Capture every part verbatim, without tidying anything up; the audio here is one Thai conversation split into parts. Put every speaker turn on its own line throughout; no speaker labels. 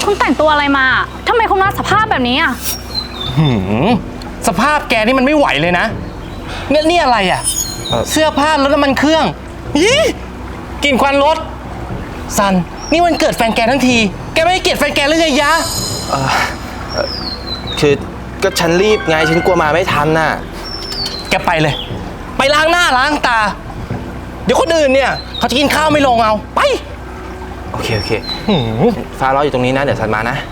คุณแต่งตัวอะไรมาทำไมคุณมาสภาพแบบนี้อ่ะ
หืมสภาพแกนี่มันไม่ไหวเลยนะเนี่ยนี่อะไรอ่ะเสื้อผ้ารถน้ำมันเครื่องยี่กลิ่นควันรถซันนี่วันเกิดแฟนแกทั้งทีแกไม่ให้เกียรติแฟนแกหรือไงยะ
เออคือก็ฉันรีบไงฉันกลัวมาไม่ทันน่ะ
แกไปเลยไปล้างหน้าล้างตาเดี๋ยวคนอื่นเนี่ยเขาจะกินข้าวไม่ลงเอาไป
โอเคโอเคฟ้ารออยู่ตรงนี้นะเดี๋ยวฉันมานะ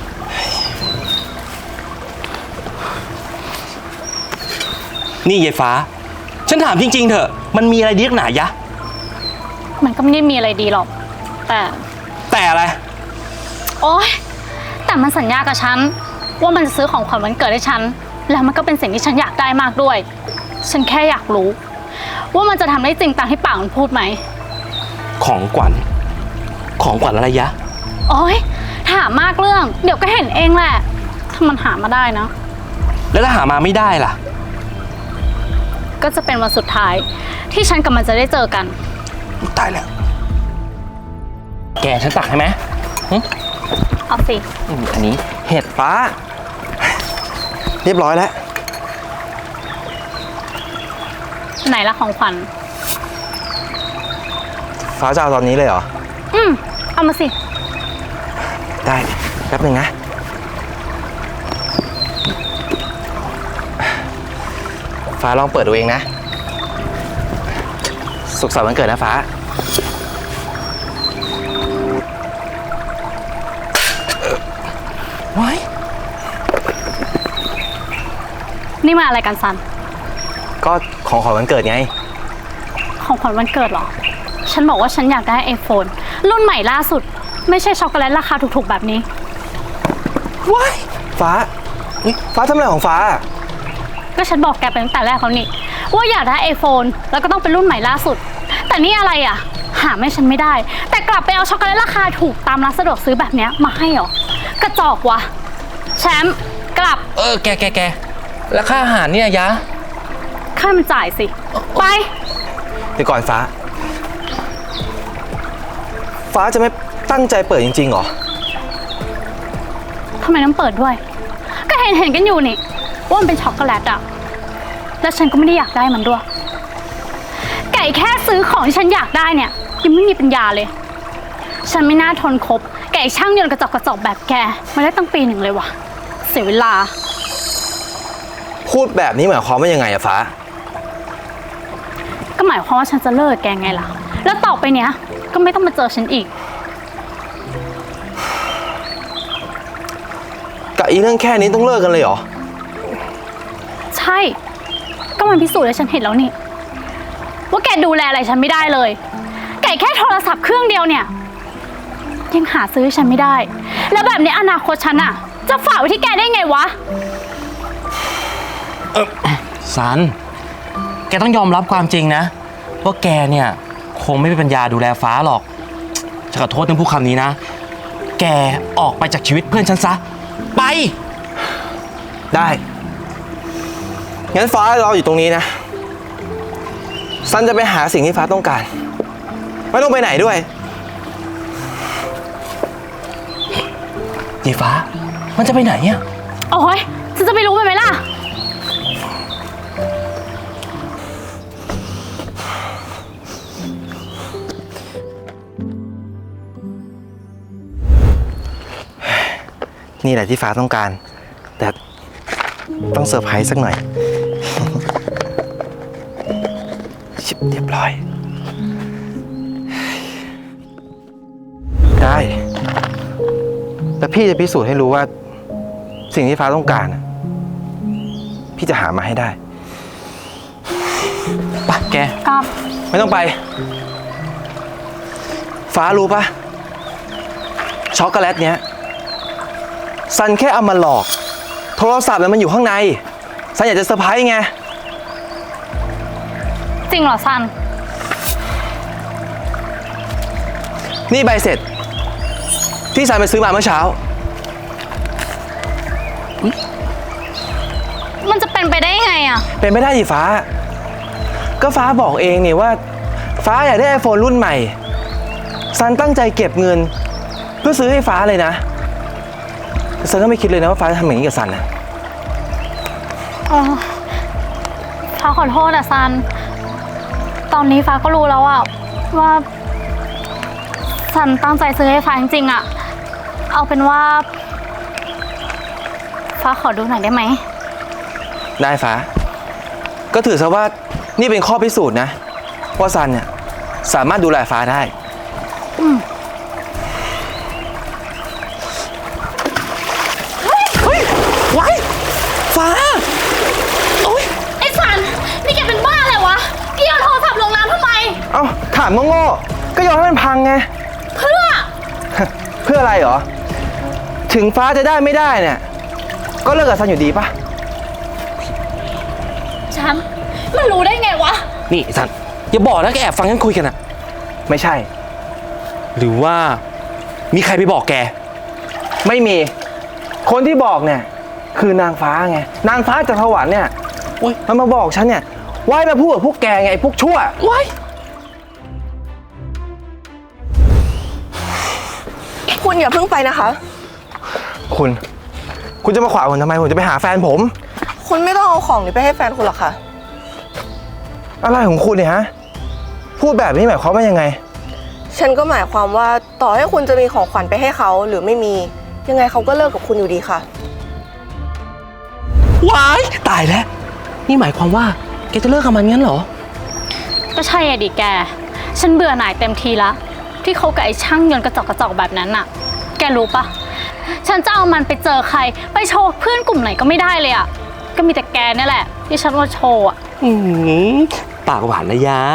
นี่ยายฟ้าฉันถามจริงๆเถอะมันมีอะไรดีนักหนายะ
มันก็ไม่ได้มีอะไรดีหรอกแต่
แต่อะไร
โอ๊ยแต่มันสัญญากับฉันว่ามันจะซื้อของขวัญวันเกิดให้ฉันแล้วมันก็เป็นสิ่งที่ฉันอยากได้มากด้วยฉันแค่อยากรู้ว่ามันจะทำได้จริงตามที่ปากมันพูดไหม
ของขวัญของขวัญอะไรยะ
โอ๊ยถามมากเรื่องเดี๋ยวก็เห็นเองแหละถ้ามันหามาได้นะ
แล้วถ้าหามาไม่ได้ล่ะ
ก็จะเป็นวันสุดท้ายที่ฉันกับมันจะได้เจอกัน
ตายแล้วแกฉันตักให้ไหม
เอาสิ
อันนี้
เห็ดฟ้าเรียบร้อยแล้ว
ไหนละของขวัญ
ฟ้าจะเอาตอนนี้เลยเหรอ
อืมเอามาสิ
ได้แป๊บหนึ่งนะฟ้าลองเปิดดูเองนะสุขสันต์วันเกิดนะฟ้า
ไว้
นี่มาอะไรกันซัน
ก็ของขวัญวันเกิดไง
ของขวัญวันเกิดเหรอฉันบอกว่าฉันอยากได้ไอโฟนรุ่นใหม่ล่าสุดไม่ใช่ช็อกโกแลตราคาถูกๆแบบนี้
ว้ายฟ้าฟ้าทำอะไรของฟ้า
ก็ฉันบอกแกไปตั้งแต่แรกเขานี่ว่าอยากได้ไอโฟนแล้วก็ต้องเป็นรุ่นใหม่ล่าสุดแต่นี่อะไรอ่ะหาไม่ฉันไม่ได้แต่กลับไปเอาช็อกโกแลตราคาถูกตามร้านสะดวกซื้อแบบนี้มาให้หรอกระจอกวะแชมป์กลับ
เออแกแกแกแล้วค่าอาหารเนี่ยยะ
ค่ามันจ่ายสิไป
เดี๋ยวก่อนฟ้าฟ้าจะไม่ตั้งใจเปิดจริงๆหรอ
ทำไมต้องเปิดด้วยก็เห็นเห็นกันอยู่นี่ว่ามันเป็นช็อกโกแลตอะแล้วฉันก็ไม่ได้อยากได้มันด้วยไก่แค่ซื้อของที่ฉันอยากได้เนี่ยยังไม่มีปัญญาเลยฉันไม่น่าทนคบไก่ช่างยนต์กระจอกกระจอกแบบแกมาได้ตั้งปีหนึ่งเลยวะเสียเวลา
พูดแบบนี้หมายความว่ายังไงอะฟ้า
ก็หมายความว่าฉันจะเลิกแกไงล่ะแล้วต่อไปเนี้ยก็ไม่ต้องมาเจอฉันอีก
กับอีเรื่องแค่นี้ต้องเลิกกันเลยเหรอ
ใช่ก็มันพิสูจน์ให้ฉันเห็นแล้วนี่ว่าแกดูแลอะไรฉันไม่ได้เลยไก่แค่โทรศัพท์เครื่องเดียวเนี่ยยังหาซื้อให้ฉันไม่ได้แล้วแบบนี้อนาคตฉันอะจะฝากไว้ที่แกได้ไงวะ
เออซันแกต้องยอมรับความจริงนะว่าแกเนี่ยคงไม่มีปัญญาดูแลฟ้าหรอกฉันขอโทษที่พูดคำนี้นะแกออกไปจากชีวิตเพื่อนฉันซะไป
ได้งั้นฟ้ารออยู่ตรงนี้นะซันจะไปหาสิ่งที่ฟ้าต้องการไม่ต้องไปไหนด้วย
ยีฟ้ามันจะไปไหนเนี่ย
โอ้ยฉันจะไปรู้ไปไหมล่ะ
นี่แหละที่ฟ้าต้องการแต่ต้องเซอร์ไพรส์สักหน่อยชิบเรียบร้อยได้แต่พี่จะพิสูจน์ให้รู้ว่าสิ่งที่ฟ้าต้องการพี่จะหามาให้ได้
ไปแก
ครับ
ไม่ต้องไปฟ้ารู้ปะช็อกโกแลตเนี้ยซันแค่เอามาหลอกโทรศัพท์มันอยู่ข้างในซันอยากจะเซอร์ไพรส์ไง
จริงเหรอซัน
นี่ใบเสร็จที่ซันไปซื้อมาเมื่อเช้า
มันจะเป็นไปได้ยังไงอะ
เป็นไม่ได้ดิฟ้าก็ฟ้าบอกเองนี่ว่าฟ้าอยากได้ไอโฟนรุ่นใหม่ซันตั้งใจเก็บเงินเพื่อซื้อให้ฟ้าเลยนะซันก็ไม่คิดเลยนะว่าฟ้าจะทำอย่างนี้กับซันนะ
เออฟ้าขอโทษอะซัน ตอนนี้ฟ้าก็รู้แล้วอะว่าซันตั้งใจซื้อให้ฟ้าจริงๆอะเอาเป็นว่า ฟ้าขอดูหน่อยได้ไหม
ได้ฟ้า ก็ถือซะว่านี่เป็นข้อพิสูจน์นะว่าซันเนี่ยสามารถดูแลฟ้าได้เฮ้ยไว้ฟ้า โอ๊ย
ไอ้ซัน นี่แกเป็นบ้าอะไรวะแกเอาโทรศัพท์ลงน้ำทำไม
เอ้าถามโง่ๆก็ยอมให้มันพังไง
เพื่อ
เพื่ออะไรเหรอ ถึงฟ้าจะได้ไม่ได้เนี่ย ก็เลิกกับซันอยู่ดีปะ
ฉัน มันรู้ได้ไงวะ
นี่ซันอย่าบอกนะแกแอบฟังกันคุยกันอะ
ไม่ใช่
หรือว่ามีใครไปบอกแก
ไม่มี คนที่บอกเนี่ยคือนางฟ้าไง นางฟ้าจากสวรรค์เนี่ย
อุ๊ย
มันมาบอกฉันเนี่ยว่าให้มาพูดกับพวกแกไงไอ้พวกชั่ว
ว้าย
คุณอย่าเพิ่งไปนะคะ
คุณ คุณจะมาขวางผมทำไม ผมจะไปหาแฟนผม
คุณไม่ต้องเอาของนี้ไปให้แฟนคุณหรอกค่ะ
อะไรของคุณเนี่ยฮะ พูดแบบนี้หมายความว่ายังไง
ฉันก็หมายความว่าต่อให้คุณจะมีของขวัญไปให้เขาหรือไม่มี ยังไงเขาก็เลิกกับคุณอยู่ดีค่ะ
ว้ายตายแล้ว นี่หมายความว่าแกจะเลิกกับมันงั้นเหรอ
ก็ใช่อะดิแก ฉันเบื่อหน่ายเต็มทีละที่เขากับไอ้ช่างยนต์กระจอกกระจอกแบบนั้นน่ะ แกรู้ปะฉันจะเอามันไปเจอใคร ไปโชว์เพื่อนกลุ่มไหนก็ไม่ได้เลยอะก็มีแต่แกนี่แหละที่ฉันว่าโชว์อะ
อืมปากหวานนะยะ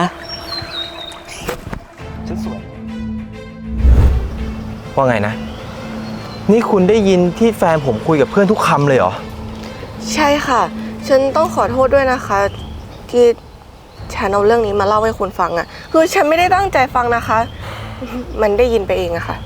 ฉันสวย ว่าไงนะ นี่คุณได้ยินที่แฟนผมคุยกับเพื่อนทุกคำเลยเหรอ
ใช่ค่ะ ฉันต้องขอโทษด้วยนะคะ ที่ฉันเอาเรื่องนี้มาเล่าให้คุณฟังอะ่ะ คือฉันไม่ได้ตั้งใจฟังนะคะ มันได้ยินไปเองอะค่ะ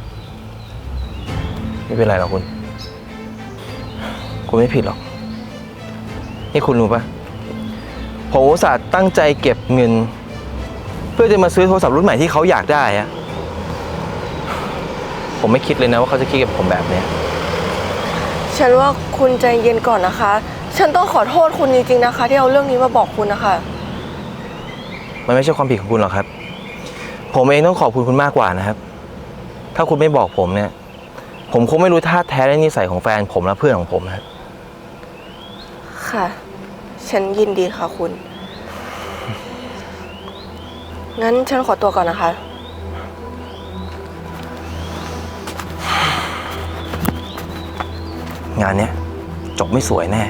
ไม่เป็นไรหรอกคุณ คุณไม่ผิดหรอก นี่คุณรู้ปะผมอุตส่าห์ตั้งใจเก็บเงิน เพื่อจะมาซื้อโทรศัพท์รุ่นใหม่ที่เขาอยากได้อะผมไม่คิดเลยนะว่าเขาจะคิดกับผมแบบเนี้ย
ฉันว่าคุณใจเย็นก่อนนะคะ ฉันต้องขอโทษคุณจริงๆนะคะ ที่เอาเรื่องนี้มาบอกคุณนะคะ
มันไม่ใช่ความผิดของคุณหรอกครับ ผมเองต้องขอบคุณคุณมากกว่านะครับ ถ้าคุณไม่บอกผมเนี่ย ผมคงไม่รู้ท่าแท้และนิสัยของแฟนผมและเพื่อนของผมนะครับ
ค่ะ ฉันยินดีค่ะคุณ งั้นฉันขอตัวก่อนนะคะ
งานเนี้ยจบไม่สวยแน่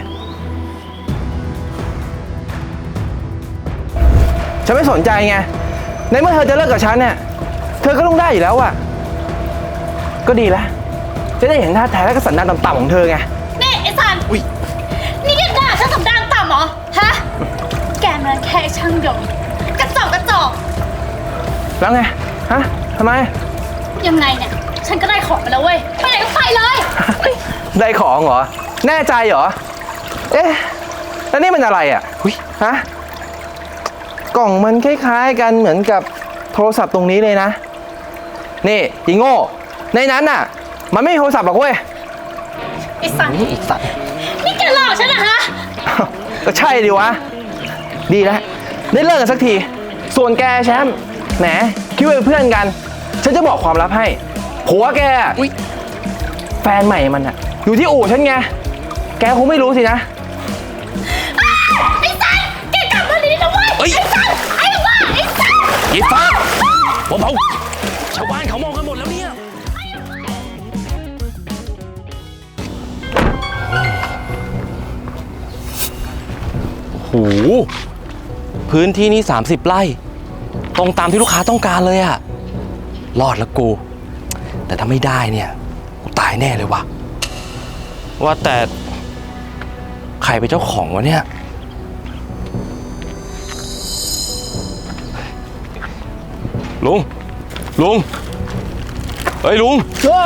ฉันไม่สนใจไง ในเมื่อเธอจะเลิกกับฉันเนี่ย เธอก็ต้องได้อยู่แล้วอะก็ดีแล้ว จะได้เห็นท่าแท้และก็สันดานต่ำๆของเธอไง
นี่ไอ้ซัน
อุ๊ย
นี่แกด่าฉันสันดานต่ำเหรอ ฮะ แกมันแค่ช่างยนต์กระจอกกระจอก
แล้วไง ฮะทำไม
ยังไงเนี่ย ฉันก็ได้ของมาแล้วเว้ย ไปไหนก็ไปเลย
ได้ของเหรอ แน่ใจเหรอ เอ๊ะ แล้วนี่มันอะไรอ่ะหุ้ยฮะ กล่องมันคล้ายๆกันเหมือนกับโทรศัพท์ตรงนี้เลยนะ นี่อีโง่ ในนั้นน่ะ มันไม่มีโทรศัพท์หรอกเว้ย
ไอ้ซัน
อีกสัตว์
นี่แกหลอกฉันเหรอฮะ
ก็ใช่ดิวะ ดีแล้ว ได้เลิกกันสักที ส่วนแกแชมป์แหมคิดว่าเป็นเพื่อนกัน ฉันจะบอกความลับให้ ผัวแกอะแฟนใหม่มันอะอยู่ที่อู่ฉันไง แกคงไม่รู้สินะ
ไอ้ซัน แกกลับมาดีนะเว้ย
เฮ้ย
ไอ้ซัน ไอ้บ้า ไอ้ซัน
ยีฟ้าเบาๆชาวบ้านเขามองกันหมดแล้วเนี่ย โอ้โห พื้นที่นี้สามสิบไร่ ตรงตามที่ลูกค้าต้องการเลยอะรอดแล้วกู แต่ถ้าไม่ได้เนี่ย กูตายแน่เลยว่ะ ว่าแต่ ใครเป็นเจ้าของวะเนี่ย ลุง ลุง เฮ้ยลุง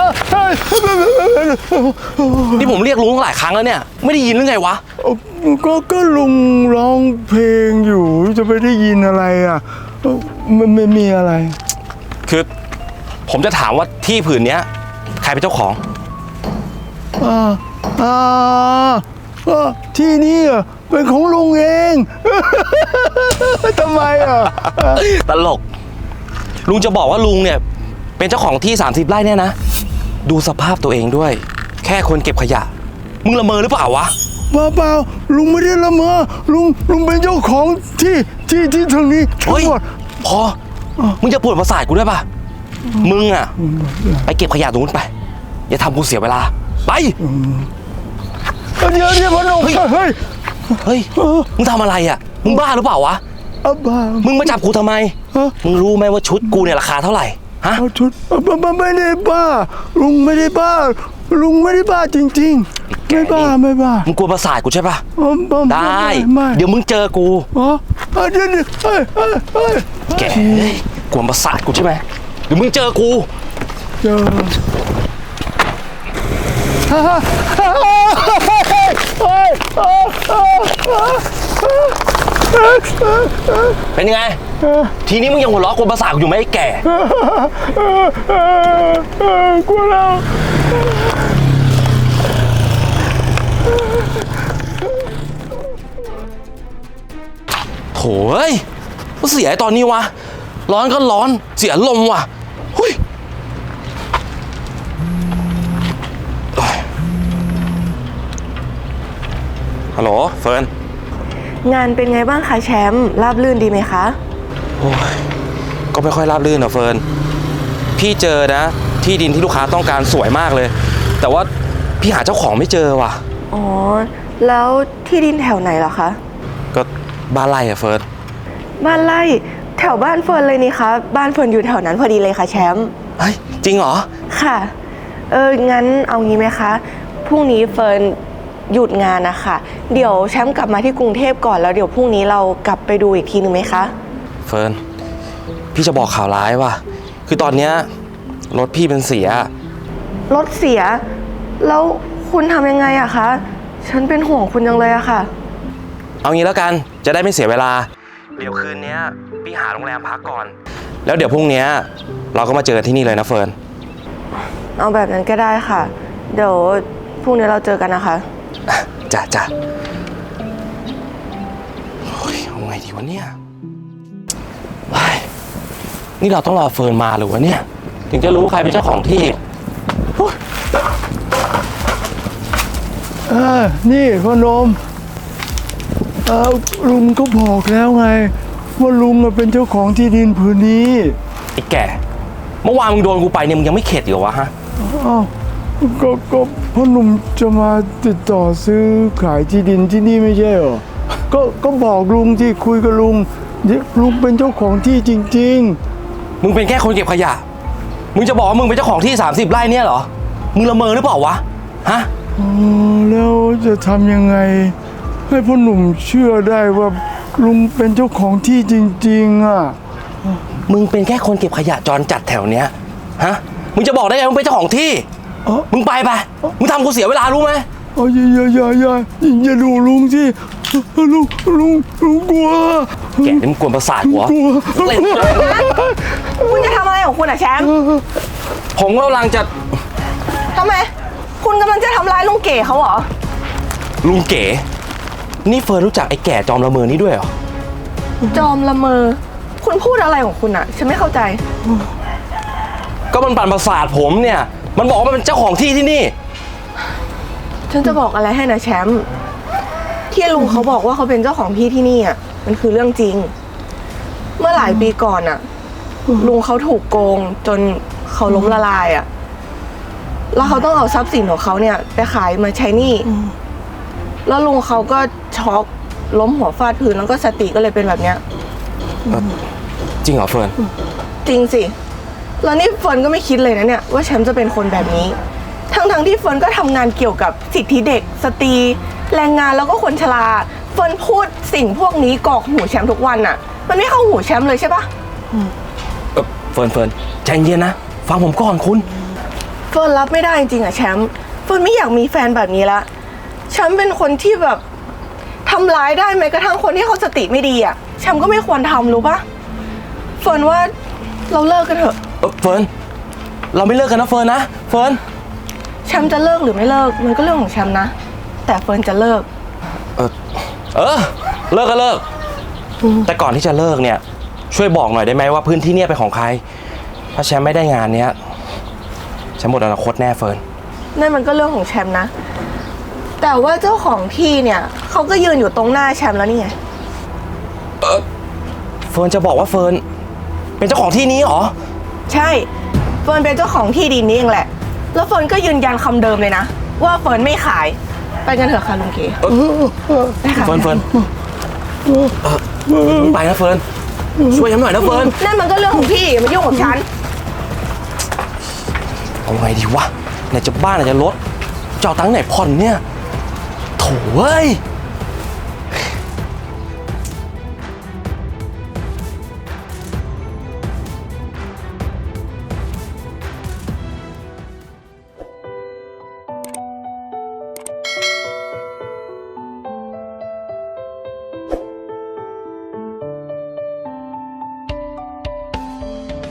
นี่ผมเรียกลุงหลายครั้งแล้วเนี่ย ไม่ได้ยินหรือไงวะ
ก็ก็ลุงร้องเพลงอยู่จะไปได้ยินอะไรอ่ะเอ้ามันไม่มีอะไร
คือผมจะถามว่าที่ผืนเนี้ย ใครเป็นเจ้าของ
อ่าอ่าอ่าที่นี่อ่ะเป็นของลุงเอง ทำไมอ่ะ
ตลก ลุงจะบอกว่าลุงเนี่ย เป็นเจ้าของที่สามสิบไร่เนี่ยนะ ดูสภาพตัวเองด้วย แค่คนเก็บขยะ มึงละเมอหรือเปล่าวะ
เปล่าเปล่าลุงไม่ได้ละเมอลุงลุงเป็นเจ้าของที่ที่ที่ตรงนี้ทั้ง
เฮ้ย
หมด
พอ มึงจะปวดประสาทกูด้วยป่ะ มึงอะไปเก็บขยะตรงนู้นไป อย่าทำกูเสียเวลา ไป
เดี๋ยวเดี๋ยวพอหนุ่ม
เฮ้ย
เฮ้ย
เฮ้ย มึงทำอะไรอะมึงบ้าหรือเปล่าวะ
อาบ้า
มึงมาจับกูทำไม
ฮะ
มึงรู้ไหมว่าชุดกูเนี่ยราคาเท่าไหร่ ฮะ
เอาชุดไม่ไม่ไม่ได้บ้า ลุงไม่ได้บ้า ลุงไม่ได้บ้าจริงๆ ไม่บ้าไม่บ้า
มึงกลัวประสาทกูใช่ป่ะ
อ๋อม่ม่
ได้
ไม่
เดี๋ยวมึงเจอกู
อ๋ออ่ะเดี๋ยวเดี๋ยวเฮ้ยเฮ้ยเฮ้ย
แกเฮ้ยกลัวประสาทกูใช่ไหมเดี๋ยวมึงเจอกู
เจอ
เป็นยังไง ทีนี้มึงยังหัวเราะกลัวประสาทกูอยู่ไหมไอ้แก่
กลัวแล้ว
โถ่เอ้ยก็เสียไอ้ตอนนี้วะ ร้อนก็ร้อน เสียลมว่ะหุยฮัลโหลเฟิร์น
งานเป็นไงบ้างคะแชมป์ราบรื่นดีไหมคะ
โอ้ยก็ไม่ค่อยราบรื่นนะเฟิร์น พี่เจอนะ ที่ดินที่ลูกค้าต้องการสวยมากเลย แต่ว่าพี่หาเจ้าของไม่เจอว่ะ
อ๋อ แล้วที่ดินแถวไหนเหรอคะ
ก็บ้านไร่อะเฟิร์น
บ้านไร่แถวบ้านเฟิร์นเลยนี่คะบ้านเฟิร์นอยู่แถวนั้นพอดีเลยค่ะแชมป์
เฮ้ย จริงเหรอ
ค่ะ เออ งั้นเอางี้ไหมคะ พรุ่งนี้เฟิร์นหยุดงานนะคะเดี๋ยวแชมป์กลับมาที่กรุงเทพก่อนแล้วเดี๋ยวพรุ่งนี้เรากลับไปดูอีกทีหนึ่งไหมคะ
เฟิร์น พี่จะบอกข่าวร้ายว่ะ คือตอนเนี้ยรถพี่เป็นเสีย
รถเสีย แล้วคุณทำยังไงอะคะ ฉันเป็นห่วงคุณจังเลยอะค่ะ
เอางี้แล้วกัน จะได้ไม่เสียเวลา เดี๋ยวคืนนี้พี่หาโรงแรมพักก่อน แล้วเดี๋ยวพรุ่งนี้เราก็มาเจอกันที่นี่เลยนะเฟิร์น
เอาแบบนั้นก็ได้ค่ะ เดี๋ยวพรุ่งนี้เราเจอกันนะคะ
จ้ะจ้ะโอ้ยเอาไงดีวะเนี่ยเฮ้ยนี่เราต้องรอเฟิร์นมาหรือวะเนี่ย ถึงจะรู้ใครเป็นเจ้าของที่โอ้ย
อ่านี่พ่อหนมเอ่อลุงก็บอกแล้วไง ว่าลุงอะเป็นเจ้าของที่ดินผืนนี้
ไอ้แก่ เมื่อวานมึงโดนกูไปเนี่ยมึงยังไม่เข็ดอยู่เหรอวะฮะ
อ้าวก็ก็พ่อหนุ่มจะมาติดต่อซื้อขายที่ดินที่นี่ไม่ใช่เหรอ ก็ก็บอกลุงที่คุยกับลุงเดี๋ยวลุงเป็นเจ้าของที่จริง
มึงเป็นแค่คนเก็บขยะ มึงจะบอกว่ามึงเป็นเจ้าของที่สามสิบไร่เนี่ยเหรอ มึงละเมอหรือเปล่าวะ ฮะ
ๆอ๋อแล้วจะทำยังไง ให้พ่อหนุ่มเชื่อได้ว่าลุงเป็นเจ้าของที่จริงๆอ่ะ
มึงเป็นแค่คนเก็บขยะจรจัดแถวเนี้ย ฮะ มึงจะบอกได้ไงมึงเป็นเจ้าของที่
เอ้า
มึงไปไป มึงทำกูเสียเวลารู้ไหม
อ๋ออย่าอย่าอย่าอย่าอย่าดูลุงสิลุงลุงลุงกลัว
แกนี่มึงกวนประสาทหัว
กลัว
เล่น
คุณจะทำอะไรของคุณอะแชมป์
ผมกำลังจะ
ทำไม คุณกำลังจะทำร้ายลุงเก๋เขาเหรอ
ลุงเก๋ นี่เฟิร์นรู้จักไอ้แก่จอมละเมอนี่ด้วยเหรอ
จอมละเมอ คุณพูดอะไรของคุณอะฉันไม่เข้าใจ
ก็มันปั่นประสาทผมเนี่ย มันบอกว่ามันเป็นเจ้าของที่ที่นี่
ฉันจะบอกอะไรให้นะแชมป์ที่ลุงเขาบอกว่าเขาเป็นเจ้าของที่ที่นี่อ่ะมันคือเรื่องจริง เมื่อหลายปีก่อนอ่ะ ลุงเขาถูกโกงจนเขาล้มละลายอ่ะแล้วเขาต้องเอาทรัพย์สินของเขาเนี่ยไปขายมาใช้หนี้แล้วลุงเขาก็ช็อกล้มหัวฟาดพื้นแล้วก็สติก็เลยเป็นแบบเนี้ย
จริงเหรอเฟิร์น
จริงสิแล้วนี่เฟิร์นก็ไม่คิดเลยนะเนี่ยว่าแชมป์จะเป็นคนแบบนี้ทั้งๆที่เฟิร์นก็ทำงานเกี่ยวกับสิทธิเด็กสตรีแรงงานแล้วก็คนชราเฟิร์นพูดสิ่งพวกนี้กรอกหูแชมป์ทุกวันน่ะมันไม่เข้าหูแชมป์เลยใช่ปะ
เอ่อเฟิร์นเฟิร์นใจเย็นนะ ฟังผมก่อนคุณ
เฟิร์นรับไม่ได้จริงๆอะแชมป์เฟิร์นไม่อยากมีแฟนแบบนี้ละแชมป์เป็นคนที่แบบทำร้ายได้แม้กระทั่งคนที่เขาสติไม่ดีอะแชมป์ก็ไม่ควรทำรู้ปะเฟิร์นว่าเราเลิกกันเถอะ
เอ่อเฟิร์น เราไม่เลิกกันนะเฟิร์นนะ เฟิร์น
แชมป์จะเลิกหรือไม่เลิกมันก็เรื่องของแชมป์นะ แต่เฟิร์นจะเลิก
เออ เออ เลิกก็เลิก แต่ก่อนที่จะเลิกเนี่ย ช่วยบอกหน่อยได้ไหมว่าพื้นที่เนี่ยเป็นของใคร ถ้าแชมป์ไม่ได้งานเนี้ยแชมป์หมดอนาคตแน่เฟิร์น
นั่นมันก็เรื่องของแชมป์นะ แต่ว่าเจ้าของที่เนี่ยเขาก็ยืนอยู่ตรงหน้าแชมป์แล้วนี่ไง
เฟิร์นจะบอกว่าเฟิร์นเป็นเจ้าของที่นี้เหรอ
ใช่ เฟิร์นเป็นเจ้าของที่ดินนี้เองแหละ แล้วเฟิร์นก็ยืนยันคำเดิมเลยนะ ว่าเฟิร์นไม่ขาย ไปกันเถอะค่ะลุงเก๋ไปค่ะ
เฟิร์นเฟิร์นเออมึงไปนะเฟิร์น ช่วยฉันหน่อยนะเฟิร์น
นั่นมันก็เรื่องของพี่อย่ามายุ่งกับฉัน
เอาไงดีวะไหนจะบ้านไหนจะรถจะเอาตังค์ไหนผ่อนเนี่ยโถ่เว้ย